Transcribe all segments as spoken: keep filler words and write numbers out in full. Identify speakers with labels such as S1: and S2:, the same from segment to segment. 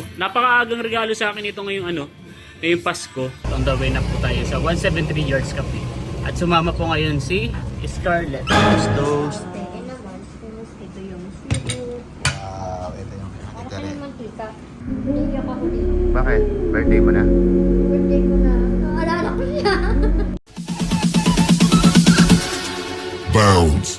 S1: napakaagang regalo sa akin ito ngayong ano, ngayong Pasko. On the way na po tayo sa one seventy-three Yards Cafe. At sumama po ngayon si Scarlett. Toast.
S2: Pwede naman, tapos ito yung seafood.
S3: Wow, ito yung
S2: Para
S3: pinakita
S2: sa
S3: rin.
S2: naman tita, naiyak ako dito.
S3: Bakit? Birthday mo na?
S2: Birthday ko na, naalala ko siya.
S4: Bounds.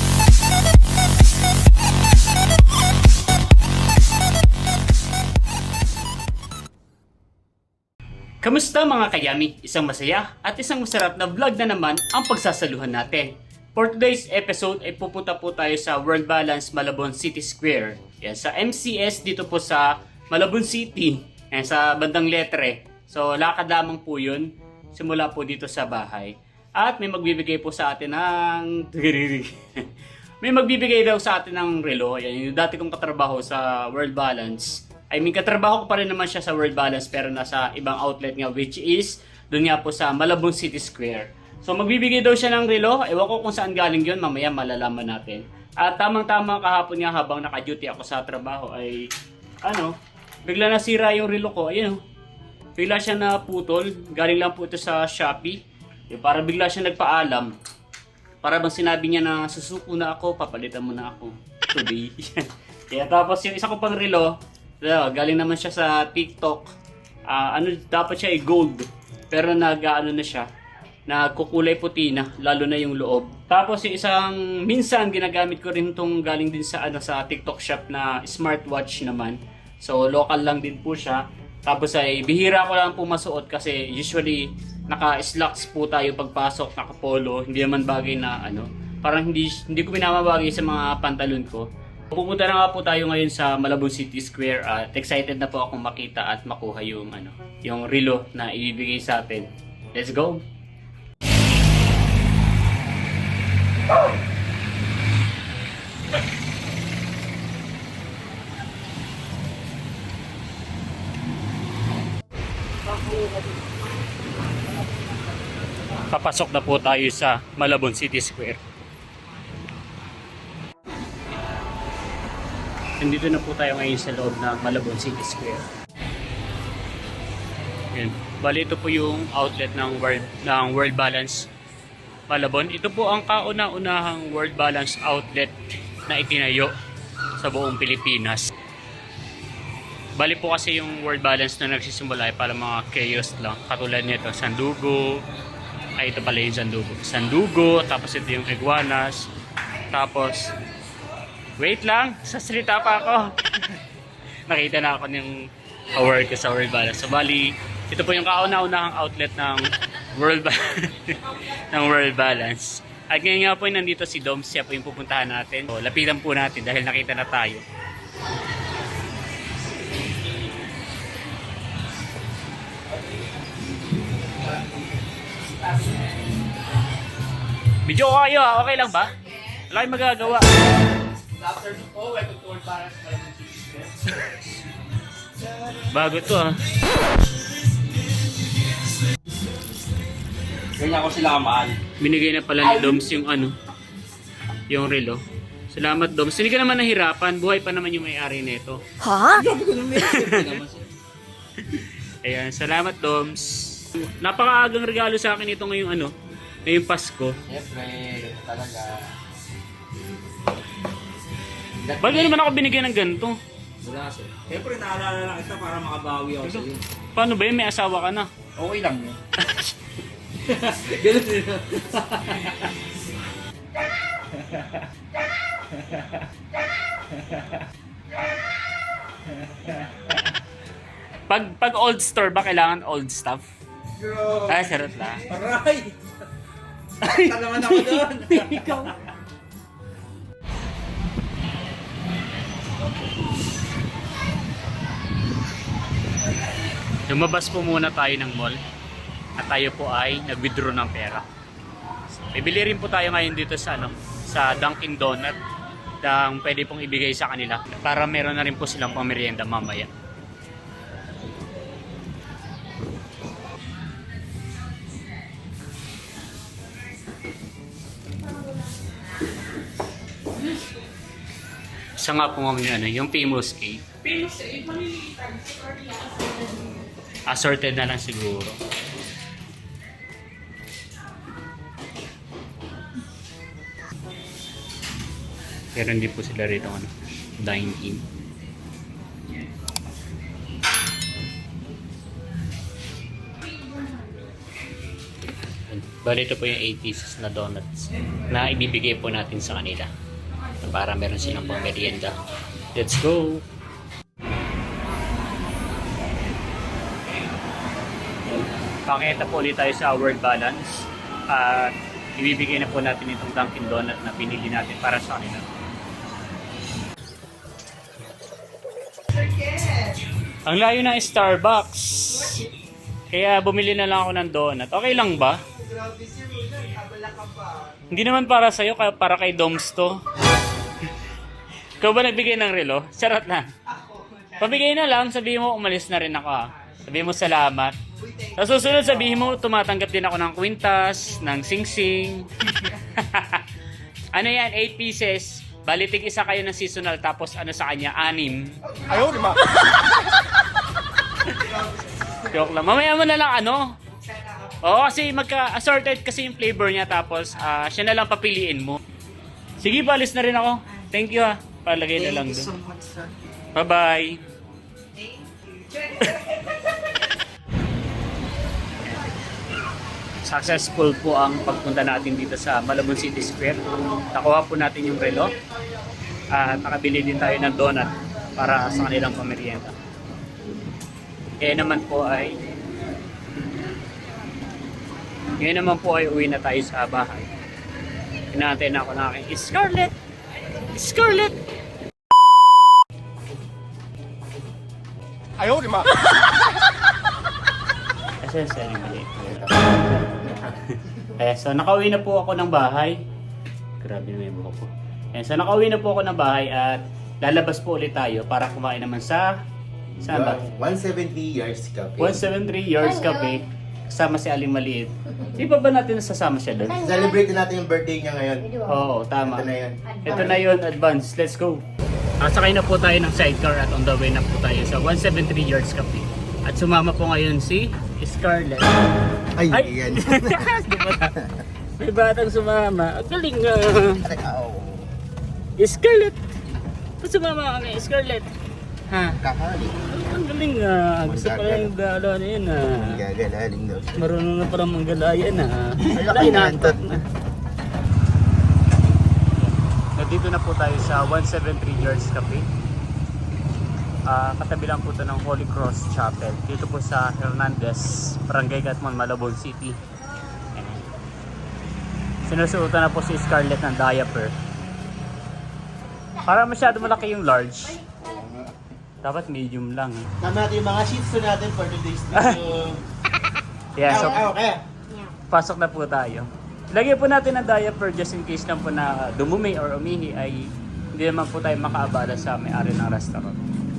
S1: Kamusta mga kayami? Isang masaya at isang masarap na vlog na naman ang pagsasaluhan natin. For today's episode ay pupunta po tayo sa World Balance Malabon City Square. Yan, sa M C S dito po sa Malabon City. Yan, sa bandang Letre. So lakad lamang po yun. Simula po dito sa bahay. At may magbibigay po sa atin ng... may magbibigay daw sa atin ng relo. Yan, yung dati kong katrabaho sa World Balance. I mean, katrabaho ko pa rin naman siya sa World Balance pero nasa ibang outlet nga which is doon nga po sa Malabon City Square. So magbibigay daw siya ng relo. Ewan ko kung saan galing yun. Mamaya malalaman natin. At tamang-tama kahapon nga habang naka-duty ako sa trabaho ay ano, bigla nasira yung relo ko. Ayun oh. Bigla siya naputol. Galing lang po ito sa Shopee. Yung para bigla siya nagpaalam. Para bang sinabi niya na susuko na ako, papalitan mo na ako today. Kaya tapos yung isa ko pang relo, galing naman siya sa TikTok. Uh, ano dapat siya ay gold. Pero nag-ano na siya, nagkukulay puti na, lalo na yung loob. Tapos yung isang minsan ginagamit ko rin tong galing din sa ano sa TikTok shop na smartwatch naman. So local lang din po siya. Tapos ay bihira ko lang po masuot kasi usually naka-slacks po tayo pagpasok, naka-polo, hindi naman bagay na ano, parang hindi hindi ko pinamabagay sa mga pantalon ko. Pupunta na nga po tayo ngayon sa Malabon City Square at excited na po akong makita at makuha yung ano, yung relo na ibibigay sa atin. Let's go. Papasok na po tayo sa Malabon City Square. Nandito na po tayo ngayon sa loob ng Malabon City Square. Yan. Bali ito po yung outlet ng World, ng World Balance Malabon. Ito po ang kauna-unahang World Balance outlet na itinayo sa buong Pilipinas. Bali po kasi yung World Balance na nagsisimula ay para mga kiosk lang. Katulad nito, Sandugo. Ay, ito pala yung Sandugo. Sandugo, tapos ito yung Iguanas. Tapos, wait lang, sasalita pa ako. Nakita na ako ng award ko sa World Balance. So, bali, ito po yung kauna-unahang outlet ng World, ba ng World Balance. At ngayon nga po nandito si Dom, siya po yung pupuntahan natin. So, lapitan po natin dahil nakita na tayo. Video ko kayo ha, okay lang ba? Wala kayong magagawa. Afternoon po, welcome to World Balance Malabon City Square. Bago to ha.
S5: Ganyan ko sila kamahal.
S1: Binigay na pala ni Doms yung ano, yung relo. Salamat Doms. Hindi ka naman nahirapan, buhay pa naman yung may-ari nito.
S2: Ha?
S1: Ayan, salamat Doms. Napakaagang regalo sa akin ito ngayong ano, ngayong Pasko.
S5: Siyempre, ganito talaga.
S1: Bakit naman ako binigyan ng ganito?
S5: Wala sir. Siyempre, naalala lang kita para makabawi ako sa iyo.
S1: Paano ba yun? May asawa ka na.
S5: Okay lang yun. Ganun din.
S1: Pag, pag old store ba kailangan old stuff?
S5: Bro.
S1: Ay, sarap lang.
S5: Aray! Sakta naman ako doon.
S1: Ikaw. Lumabas po muna tayo ng mall at tayo po ay nag-withdraw ng pera. Bibili rin po tayo ngayon dito sa ano, sa Dunkin Donut ng pwede pong ibigay sa kanila para meron na rin po silang pamerienda mamaya. Isa nga po yung, ano, yung famous cake. Assorted na lang siguro. Pero hindi po sila rito ano, dine-in. Bali ito po yung eight pieces na donuts na ibibigay po natin sa kanila para meron silang pang merienda. Let's go! Pakita po ulit tayo sa World Balance at ibibigay na po natin itong Dunkin Donut na pinili natin para sa kanila. Ang layo ng Starbucks. Kaya bumili na lang ako ng donut. Okay lang ba? Hindi naman para sa'yo, kaya para kay Doms to. Ikaw ba nagbigay ng relo? Charot na. Pabigay na lang, sabihin mo umalis na rin ako ha. Sabihin mo salamat. Sa susunod sabihin mo tumatanggap din ako ng kwintas, ng sing-sing. Ano yan, eight pieces. Balitig isa kayo ng seasonal tapos ano sa kanya, anim.
S3: Ayaw, di ba?
S1: Joke lang. Mamaya mo na lang ano. Oo, kasi magka-assorted kasi yung flavor niya tapos ah, siya na lang papiliin mo. Sige, balis na rin ako. Thank you ha. Palagay na lang doon. Bye-bye. Successful po ang pagpunta natin dito sa Malabon City Square. Nakuha po natin yung relo at nakabili din tayo ng donut para sa kanilang pamerienda. Kaya naman po ay ngayon naman po ay uwi na tayo sa bahay. Pinatay na ako ng aking Scarlett! Scarlett!
S3: Ayaw, di ba?
S1: Kasi sorry, mali. Eh, so nakauwi na po ako ng bahay. Grabe na yung buhok ko. Eh, so nakauwi na po ako ng bahay at lalabas po ulit tayo para kumain naman sa... Saan ba?
S3: one seventy years cafe.
S1: one seventy-three Yards Cafe. Kasama si Aling Maliit. Di ba ba natin nasasama siya doon?
S3: Celebrate natin yung birthday niya ngayon.
S1: Oo, tama.
S3: Ito na yan.
S1: Ito na yun, advance. Let's go. Ah, sakay na po tayo ng sidecar at on the way na po tayo sa one seventy-three Yards Cafe. At sumama po ngayon si Scarlett.
S3: Ay,
S1: Ay!
S3: yan.
S1: Di ba na? May batang sumama. Ang galing nga. Scarlett! Ba't sumama kami? Scarlett! Ha?
S3: Kakali.
S1: Ang galing nga. Gusto pala yung gala na yun ha.
S3: Gagalaling daw.
S1: Marunong na parang manggalayan ha.
S3: Ay,
S1: Wala, inaantok
S3: inaantok.
S1: na. Nandito na po tayo sa one seventy-three Yards Cafe. Ah, katabi lang po ito ng Holy Cross Chapel. Dito po sa Hernandez, Barangay Gatmon, Malabon City. Ayan. Sinusuotan na po si Scarlett ng diaper. Para masyado malaki yung large. Dapat medium lang. Eh.
S3: Tama natin yung mga sheets natin for today's video.
S1: Yeah, so
S3: Ayaw, kaya.
S1: pasok na po tayo. Lagyan po natin ang diaper just in case lang po na dumumi or umihi ay hindi naman po tayo makaabala sa may-ari ng restaurant.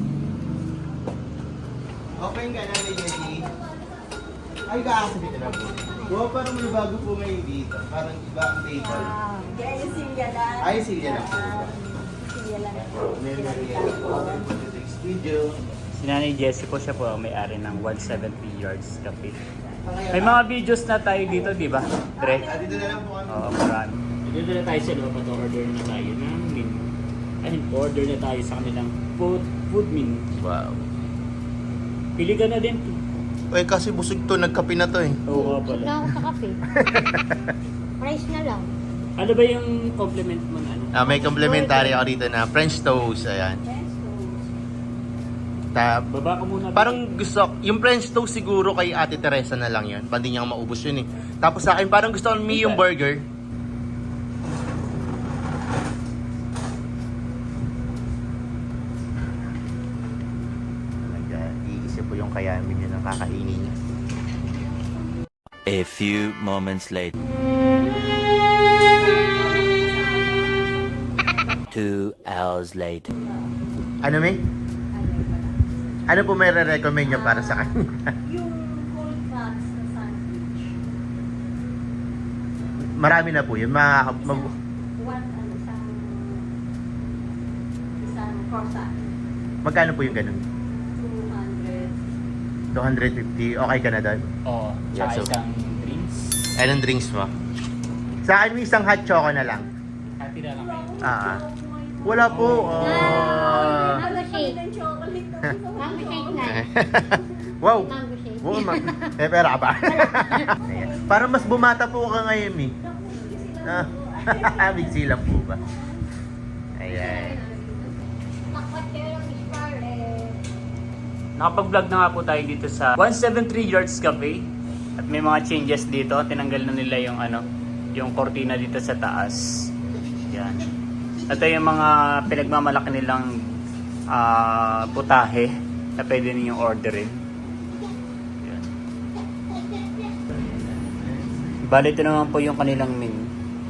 S3: Open ka na ni Jessie. Ay, kaasa dito na po. Wow, parang may bago po ngayon dito. Parang iba ang table.
S2: Kaya yung silya lang.
S3: Ay, silya lang po.
S2: Silya lang.
S3: Meron na rin po for today's video.
S1: Si Nanay Jessie po, siya po ang may-ari ng one seventy Yards Cafe. May mga videos na tayo dito, di ba? Dre?
S3: Ah, dito na lang po kami.
S1: Oo, marami. Dito na tayo sa loob at order na tayo ng menu. Ay, order na tayo sa kanilang food, food menu.
S3: Wow.
S1: Pili ka na din.
S3: Uy, kasi busog to. Nagkape na to eh.
S1: Oo nga pala.
S2: Wala ako sa kape. Price na lang.
S1: Ano ba yung compliment mo na ano?
S3: Ah, may complimentary ako dito na French toast. Ayan. Ta
S1: Baba ka muna.
S3: parang gusto, yung French toast siguro kay Ate Teresa na lang yun. Pandi niyang maubos yun eh. Tapos sa akin, parang gusto ko yung burger. Iisip po yung kayamin niya ng kakainin niya.
S4: A few moments later. Two hours later.
S3: Ano, May? Ano po may re-recommend niyo para sa kanya?
S2: Yung cold cuts na sandwich.
S3: Marami na po yun. Mga, mag-
S2: One, ano, isang... Isang croissant.
S3: Magkano po yung ganun?
S2: two hundred.
S3: two hundred fifty. Okay ka na doon?
S1: Oo.
S3: Yeah,
S1: Tsaka
S3: so-
S1: isang drinks.
S3: Anong drinks mo? Sa akin, may isang hot choco na lang.
S1: Happy na lang kayo.
S3: Ah, ah. Wala po. Oh.
S2: Mango shake. Mango shake na.
S3: Wow.
S2: Mango shake.
S3: Oo, ma- eh, pera ka ba? Ayan. Para mas bumata po ka ngayon, eh. Ah, big sila po ba? Ayan.
S2: Takot kayo ng Scarlett.
S1: Nakapag-vlog na nga po tayo dito sa one seventy-three Yards Cafe. At may mga changes dito. Tinanggal na nila yung ano, yung cortina dito sa taas. Yan. Ito yung mga pinagmamalaki nilang ah, putahe na pwede ninyong orderin. Yan. Bali, ito naman po yung kanilang menu.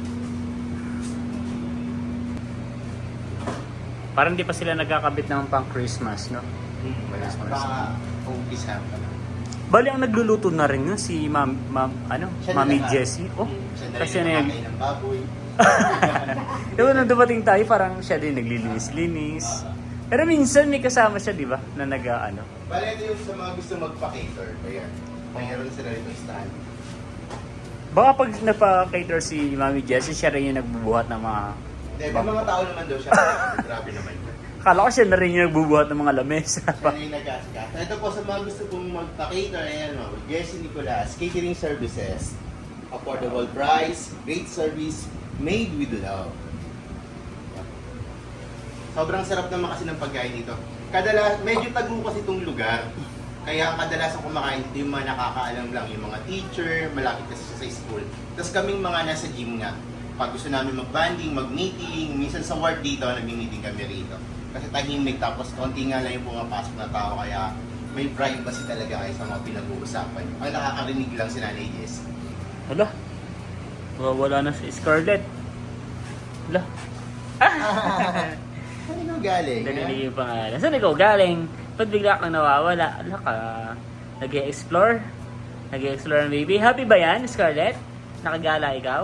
S1: Parang di pa sila nagkakabit ng pang Christmas, no?
S3: Baka umpisa pa lang.
S1: Bali, ang nagluluto na rin yun si Ma'am, Ma'am ano,
S3: Siya na
S1: Mami
S3: lahat.
S1: Jessie. Oh,
S3: Siya na
S1: kasi
S3: rin
S1: na
S3: nakakain ng baboy.
S1: diba nung dumating tayo, parang siya din naglilinis-linis. Pero minsan may kasama siya, di ba? Na nag ano.
S3: Bale, ito yung sa mga gusto magpa-cater. Ayan. Mayroon sila rito stand.
S1: Baka pag napa-cater si Mami Jessie, siya rin yung nagbubuhat ng mga...
S3: Hindi, may mga tao naman daw siya. Grabe naman.
S1: Akala ko siya na rin yung nagbubuhat ng mga lamesa.
S3: Siya na yung nag-aasikaso. Ito po sa mga gusto pong magpa-cater, ayan o. Jessie Nicolas, catering services. Affordable price, great service, made with love. Sobrang sarap naman kasi ng pagkain dito. Kadala, medyo tago kasi itong lugar. Kaya kadalasan kumakain dito yung mga nakakaalam lang, yung mga teacher, malapit kasi siya sa school. Tapos kaming mga nasa gym nga, pag gusto namin mag-banding, mag-meeting, minsan sa ward dito, nag-meeting kami rito. Kasi tahimik, tapos konti nga lang yung pumapasok na tao, kaya may privacy talaga kayo sa mga pinag-uusapan. Ang nakakarinig lang si Nanay Jess.
S1: Hala, wala na si Scarlett. Hala,
S3: Saan ikaw galing?
S1: narinig yung pangalan. Saan ikaw galing? Ba't bigla kang nawawala? Hala ka, nag-e-explore? Nag-e-explore ng baby. Happy ba yan, Scarlett? Nakagala ikaw?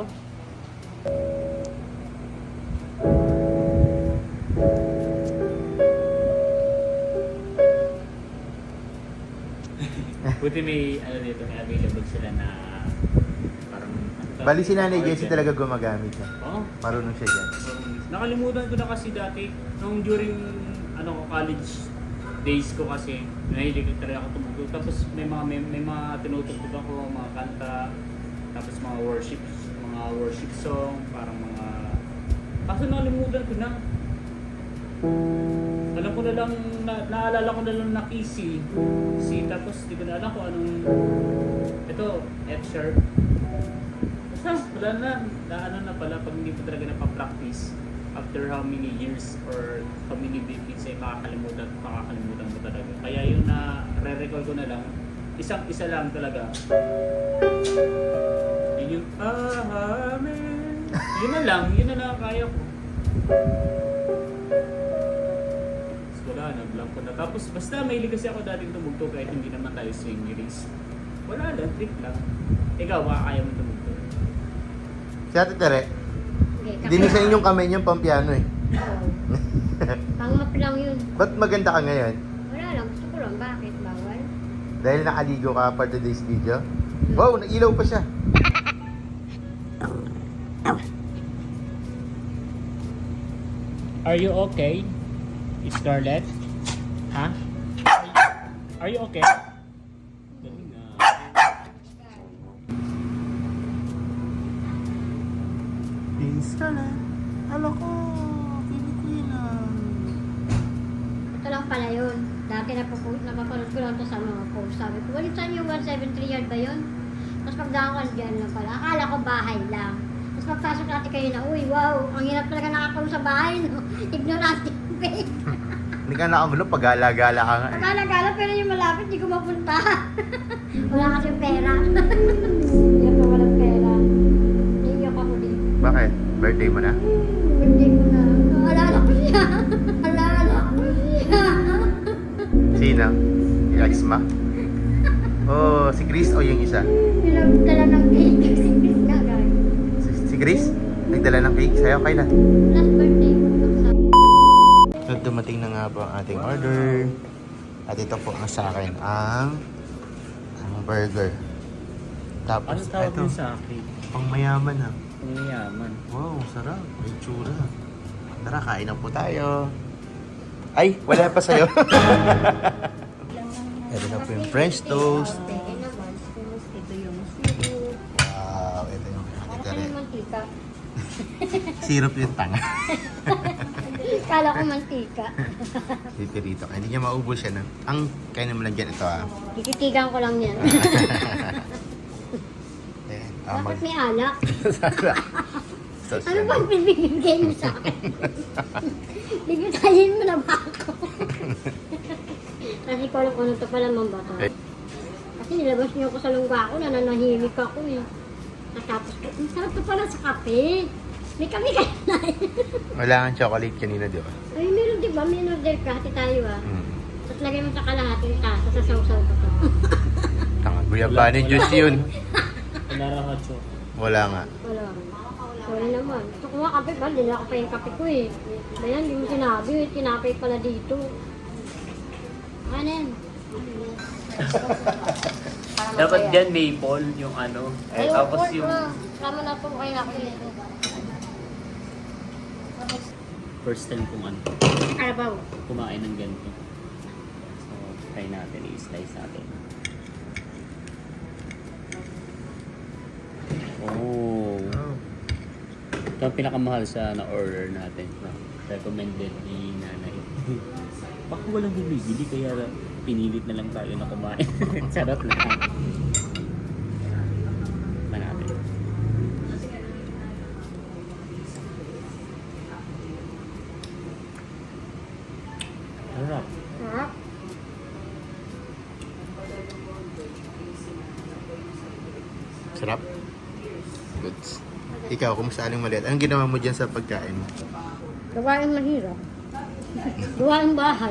S1: Buti may, ano dito, may available sila na parang... ano to?
S3: Bali si Nanay
S1: Organ.
S3: Jessie talaga gumagamit siya.
S1: Oo.
S3: Marunong siya dyan.
S1: Nakalimutan ko na kasi dati, nung during ano ko college days ko kasi, nahilig talaga ako tumugtog. Tapos may mga may, may mga tinutugtog ako, mga kanta, tapos mga worship, mga worship song, parang mga... Kaso nakalimutan ko na. Alam ko na lang, na, naalala ko na lang na key C. C, tapos di ko na alam kung anong... Ito, F sharp. Basta, wala na. Na ano na pala, pag hindi pa talaga napapractice, after how many years or how many decades ay makakalimutan, makakalimutan mo talaga. Kaya yung na re-recall ko na lang, isang isa lang talaga. Yun yung, ah, amen. Yun na lang, yun na lang kaya ko. Tapos wala na, blank ko na. Tapos basta mahilig kasi ako dating tumugtog kahit hindi naman tayo swingerist. Wala lang, trick lang. Ikaw, baka kaya mo tumugtog.
S3: Si Ate Tere, dinisan yung kamay niyang pampiano eh.
S2: Pangap lang yun.
S3: Ba't maganda ka ngayon?
S2: Wala lang. Gusto ko lang. Bakit? Bawal?
S3: Dahil nakaligo ka for today's video? Wow, nailaw pa siya.
S1: Are you okay, Scarlett? Ha? Are you okay? Galing na.
S3: Peace ka na. Hala ko. Pili-pili lang.
S2: Ito lang pala yun. Dati napapost, napapanood ko lang ito sa mga post. Sabi ko, walit saan yung one seventy-three yard ba yun? Tapos pagdaan ko, dyan lang pala. Akala ko bahay lang. Tapos pagpasok natin kayo na, uy, wow, ang hirap talaga nakakulong sa bahay, no? Ignorante yung page.
S3: Hindi ka nakamulo pag gala-gala ka nga eh.
S2: Akala-gala, pero yung malapit, di ko mapunta. Wala kasi pera. Hindi ako walang pera. Naiyak ako din.
S3: Bakit? Birthday mo na?
S2: Birthday ko na. Alala ko siya. Alala ko siya.
S3: Sino? Yung ex ma? Oh, si Chris o yung isa?
S2: Pinagdala ng cake. Si Chris nga, guys.
S3: Si, si Chris? Nagdala ng cake sa'yo, kailan?
S2: Last birthday ko.
S3: Nung dumating dumating na nga po ang ating order. At ito po ang sa akin, ang, ang burger.
S1: Ano
S3: Tapos,
S1: tawag
S3: ito,
S1: yun sa akin?
S3: pang mayaman ha.
S1: Pangyayaman.
S3: Wow, sarap. May tsura. Tara, kain na po tayo. Ay, wala pa sa'yo. Ito na po yung French toast.
S2: Peke naman, toast. Ito yung syrup.
S3: Wow, ito yung
S2: Para
S3: ito
S2: kayo
S3: rin.
S2: mantika.
S3: Syrup yung tanga.
S2: Kala ko mantika.
S3: Dito dito. Hindi niya maubos yan. ah. Ang kain naman lang dyan ito ah.
S2: Tititigan ko lang yan.
S3: Ayan, ah,
S2: Bakit
S3: mag-
S2: may alak?
S3: Sauce
S2: Ano
S3: yan.
S2: bang pinibigay mo sa akin? Bigitayin mo na ba ako? Kasi ko alam kung ano to pala mambato.
S3: Eh.
S2: Kasi nilabas niyo ako sa lungga ko, nananahimik ako eh. Tapos ko, ang sarap to pala sa kape. May kape kayo na eh.
S3: Wala kang chocolate kanina, di ba?
S2: Ay, meron di ba? May order ka, hati tayo ah.
S3: Mm.
S2: Tapos lagay mo sa kalahating tasa, sa sausaw ko to.
S3: Tanga, guyabani juice yun.
S1: Narahatso.
S3: Wala nga.
S2: Wala. Sorry naman. Gusto ko nga kape ba? Hindi na ako pa yung kape ko eh. Ayan, hindi mo sinabi. eh. Tinapay pala dito. Ano yan? Para
S1: Dapat
S2: masaya.
S1: dyan maple yung ano.
S2: Ay,
S1: Eh, tapos
S2: of course,
S1: yung
S2: ah. Tama na po kayo ako nito.
S1: first time kong ano,
S2: Arabaw.
S1: kumain ng ganito. So, try natin. I-slice natin. Oh. Ito ang pinakamahal sa na-order natin. Recommended ni nanay. Baka walang bumibili kaya pinilit na lang tayo na kumain. Sarap na. Ba natin. Sarap.
S2: Sarap.
S3: Sarap. Goods. Ikaw, kumusta aling maliit? Anong ginawa mo dyan sa pagkain?
S2: Gawain mahirap. Gawain bahay.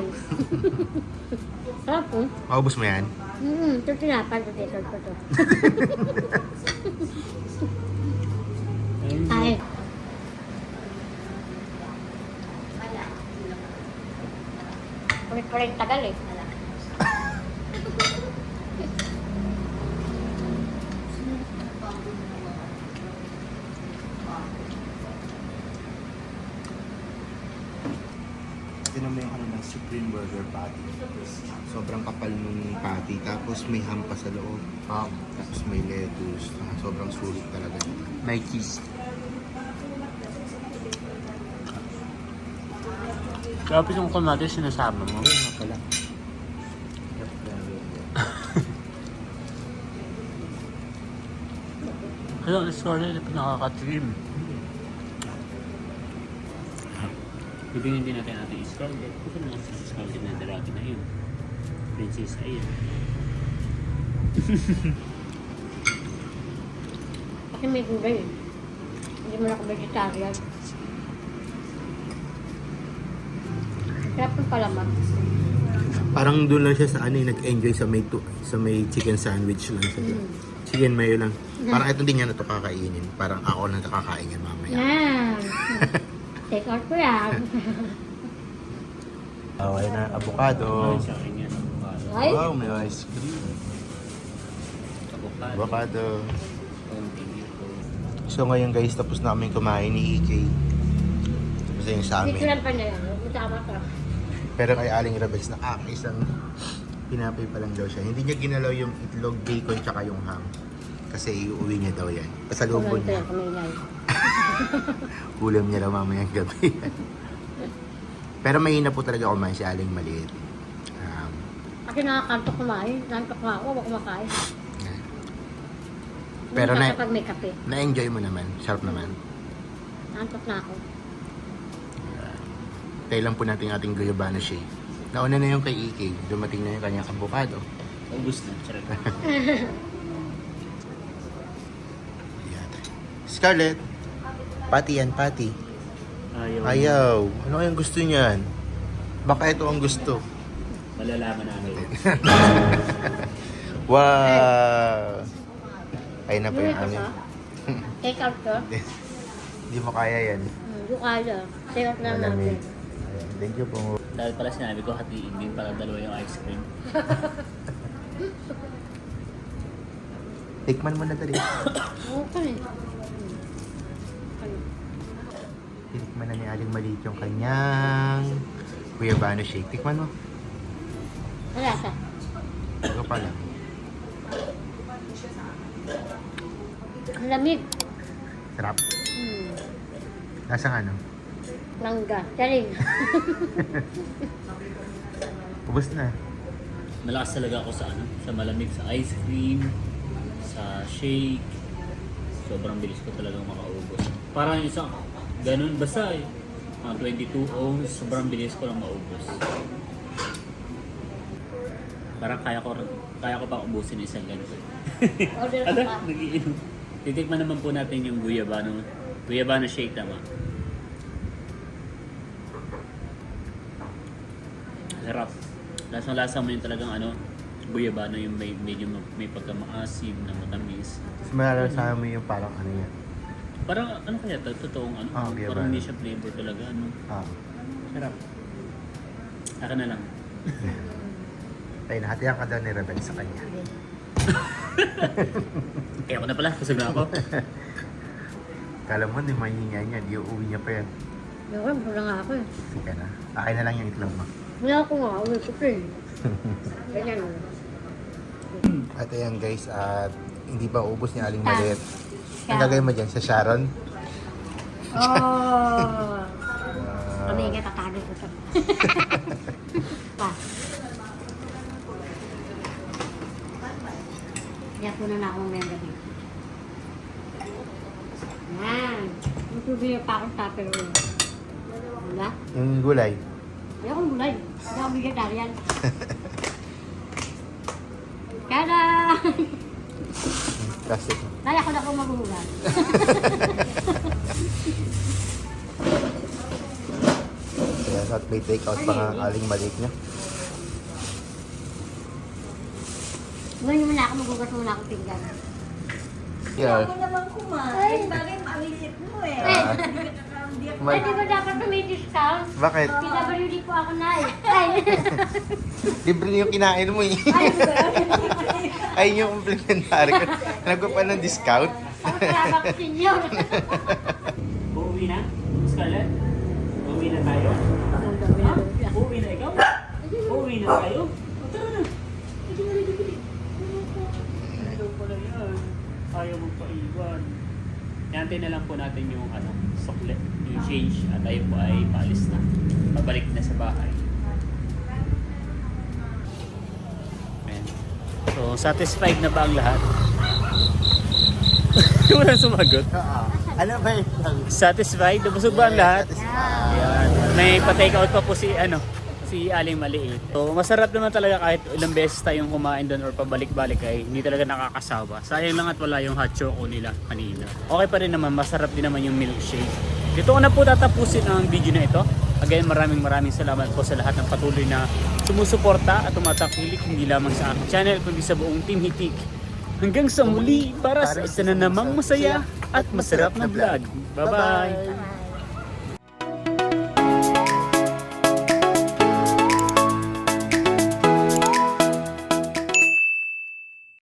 S2: Sarap po.
S3: Maubos mo yan?
S2: Hmm, ito tinapay ko dito ko to. Ay. Ulit-ulit tagal eh.
S3: Tinan mo yung ano ng Supreme Burger Patty. Sobrang kapal nung patty. Tapos may ham pa sa loob. Um, tapos may lettuce. Ah, sobrang sulit talaga.
S1: May cheese. Tapos yung kamatis sinasama mo.
S3: Ayun nga pala.
S1: Hello, sorry, nakaka-trim. Bibigyan din natin natin scalded. Kasi mga scalded na daraki na yun. Princess, ayun.
S2: Kasi may gulay eh. Hindi mo na ako vegetarian. Sarap ng palaman.
S3: Parang doon lang siya sa ano, eh, nag-enjoy sa may, tu- sa may chicken sandwich lang siya.
S2: Mm.
S3: Chicken mayo lang. Parang ito din yan na ito kakainin. Parang ako lang nakakain yan mamaya.
S2: Yan. Take out ko yan.
S3: Okay na, avocado.
S1: Ay, sa akin yan. Avocado.
S2: Ay,
S3: Wow, may ice cream.
S1: Avocado.
S3: Avocado.
S1: Konting ito.
S3: So ngayon guys, tapos na kami kumain ni E K. Tapos na yung sa amin.
S2: picturean pa niya yan. Tama ka.
S3: Pero kay Aling Rebels, nakakaisang pinapay pa lang daw siya. Hindi niya ginalaw yung itlog, bacon, tsaka yung ham. Kasi iuwi niya daw yan. Pasalubong
S2: Kulang
S3: niya.
S2: yan, kamay
S3: Ulam niya daw mamayang gabi. Pero mahina po talaga kumain si Aling maliit. Um,
S2: Kasi nakakantok kumain. Nantok nga ako, ako kumakain.
S3: Pero
S2: Hindi
S3: na-
S2: kapag may kape.
S3: na-enjoy mo naman. Sharp naman.
S2: Nantok na ako.
S3: Tayo lang po natin ating guyabano shake. Nauna na yung kay E K. Dumating na yung kanyang avocado.
S1: Ubus na. Charot.
S3: Ayan. Scarlett. Pati yan, pati.
S1: Ayaw.
S3: Ayaw. Ano kayang gusto niyan? Baka ito ang gusto.
S1: Malalaman namin.
S3: Wow! Ayun na po yung
S2: Ano
S3: amin.
S2: ito? Take out ko?
S3: Hindi mo kaya yan.
S2: Hmm, yung kaya. Take out na
S3: Malamig.
S2: natin.
S3: Ayan. Thank you po.
S1: Dahil pala sinabi ko hatiin din para dalawa yung ice cream.
S3: Tikman mo na dali.
S2: Okay.
S3: Tinikman na ni Aling Maliit yung kanyang Guyabano shake. Tikman mo.
S2: Wala sa.
S3: Ito pala.
S2: Ang lamig.
S3: Sarap.
S2: Hmm.
S3: Lasang ano?
S2: Mangga. Charing.
S3: Ubus na.
S1: Malakas talaga ako sa ano, sa malamig, sa ice cream, sa shake. Sobrang bilis ko talagang makaubos. Parang yung isang ganun basta eh. Mga twenty-two ounce, sobrang bilis ko lang maubos. Parang kaya ko kaya ko pa ubusin isang ganito.
S2: Order ka
S1: Ada,
S2: pa.
S1: nagiinom. Titikman naman po natin yung guyabano, guyabano shake tama. Sarap. Lasang-lasa mo yung talagang ano, guyabano yung may medyo ma- may pagkamaasim na matamis.
S3: Mas malalasahan mo yung parang ano yan.
S1: Parang ano kaya to? Totoong ano?
S3: Ah, guyabano.
S1: Parang hindi siya flavor talaga ano.
S3: Ah.
S1: Sarap. Akin na lang.
S3: Ay, nahatihan ka daw ni Rebel sa kanya.
S1: Kaya ako na pala, kusog na ako.
S3: Kala mo, di mahihinga niya. Di uuwi niya pa yan.
S2: Ewan, wala nga ako eh.
S3: Sige na. Akin na lang yung itlog mo.
S2: Wala ako nga. Uwi ko pa eh. Ganyan o.
S3: At ayan guys, at hindi pa ubos ni Aling Maliit. Ang
S2: Sharon.
S3: gagawin mo dyan sa Sharon?
S2: Oh!
S3: Ah,
S2: Kami nga tatagay ko ito. Pa. Kaya po na na akong member niya. Yan. Magsubi pa akong tupper roll. Wala?
S3: yung gulay.
S2: Hindi akong gulay. Hindi ako vegetarian. Kada!
S3: Plastic.
S2: Kaya ko na akong maghuhugas.
S3: Ayan, at may take out pa nga ang Aling Maliit niya.
S2: Ngayon muna ako maghugas muna akong pinggan.
S3: Yeah.
S6: Ako naman kumain. Bagay maliit mo eh.
S3: Ah.
S6: Hindi ako
S2: Ay, di ba dapat na may discount?
S3: Bakit?
S2: P W D po ako na eh. Ay!
S3: Libre na yung kinain mo eh.
S2: Ay, ba yun?
S3: Ay, yung complimentary ko. Nagpa pa ng discount.
S2: Ako kaya ako senior.
S1: Uuwi na? Scarlett? Uuwi na tayo? Ha? Uuwi na ikaw? Uuwi na tayo? O, tara na. Ayaw pala yan. Ayaw magpaiwan. Hintay na lang po natin yung ano, sukle, yung change at tayo po ay paalis na. Pabalik na sa bahay. Ayan. So, satisfied na ba ang lahat? Walang sumagot.
S3: Ano ba yun?
S1: Satisfied? Nabusog ba ang lahat?
S3: Satisfied.
S1: Ayan. May pa-take out pa po si ano, si Aling Maliit. So, masarap naman talaga kahit ilang beses tayong kumain doon or pabalik-balik ay hindi talaga nakakasawa. Sayang lang at wala yung hot choco nila kanina. Okay pa rin naman, masarap din naman yung milkshake. Dito ko na po tatapusin ang video na ito. Again, maraming maraming salamat po sa lahat ng patuloy na sumusuporta at tumatakilik hindi lamang sa aking channel kundi sa buong Team Hitik. Hanggang sa muli para sa isa na namang masaya at masarap na vlog. Bye-bye!